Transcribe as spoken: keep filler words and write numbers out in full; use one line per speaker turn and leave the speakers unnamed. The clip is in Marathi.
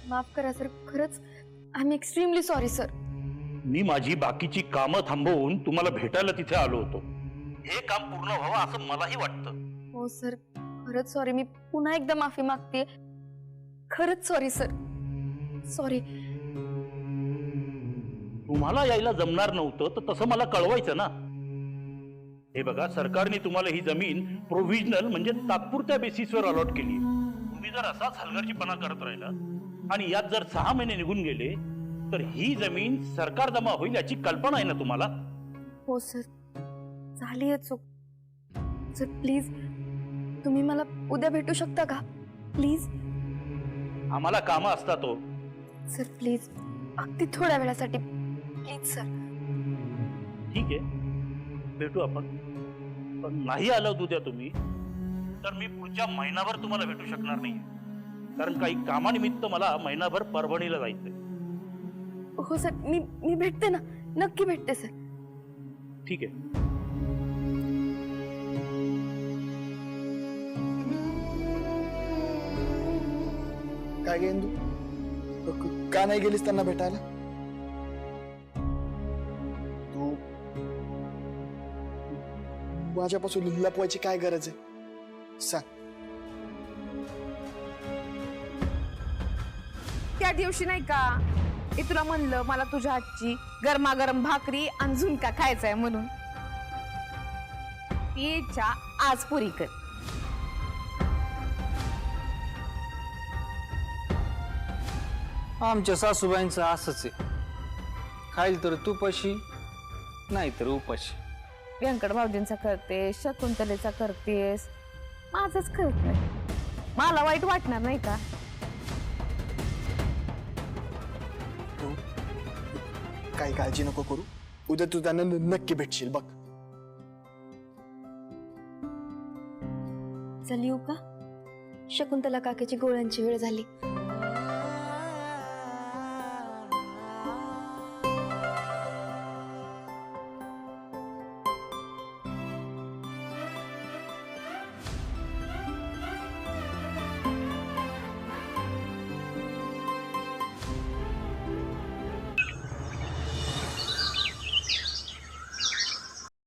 माफ करा सर, खरंच I am extremely sorry sir.
मी माझी बाकीची कामं थांबवून तुम्हाला भेटायला तिथे आलो होतो. हे काम पूर्ण व्हावं असं मलाही वाटतं.
हो सर, खरंच सॉरी. मी पुन्हा एकदा माफी मागते. खरंच सॉरी सर, सॉरी.
तुम्हाला यायला जमणार नव्हतं तर तसं मला कळवायचं ना. हे बघा, सरकारने तुम्हाला ही जमीन प्रोव्हिजनल म्हणजे तात्पुरत्या बेसिसवर अलॉट केली. तुम्ही जर असाच हलगर्जीपणा करत राहिला आणि यात जर सहा महिने निघून गेले तर ही जमीन सरकार जमा होईल याची कल्पना आहे ना तुम्हाला?
हो सर, झाली आहे चूक. सर प्लीज तुम्ही मला उद्या भेटू शकता का प्लीज?
आम्हाला कामं असतात हो.
सर प्लीज, अगदी थोड्या वेळासाठी प्लीज सर.
ठीक आहे, भेटू आपण. पण नाही आलं उद्या तुम्ही तर मी पुढच्या महिनाभर तुम्हाला भेटू शकणार नाही, कारण काही कामानिमित्त मला महिनाभर परभणीला जायचंय.
हो सर, मी मी भेटते ना, नक्की भेटते सर.
ठीक आहे.
काय गे इंदू, का नाही गेलीस त्यांना भेटायला? तू माझ्यापासून लपवायची काय गरज आहे सांग?
त्या दिवशी नाही का मी तुला म्हणलं मला तुझ्या हातची गरमागरम भाकरी आणि झुणका खायचा आहे म्हणून, ती इच्छा आज पुरी कर.
आमच्या सासूबाईंचं असंच आहे, खाईल तर तुपाशी नाही तर उपाशी.
व्यंकट भाऊजींचा करते, शकुंतलेचा करतेस, माझंच करत नाही. मला वाईट वाटणार नाही का?
तू काही काळजी नको करू, उद्या तू त्यांना नक्की भेटशील बघ.
चल येऊ का? शकुंतला काकाची गोळ्यांची वेळ झाली.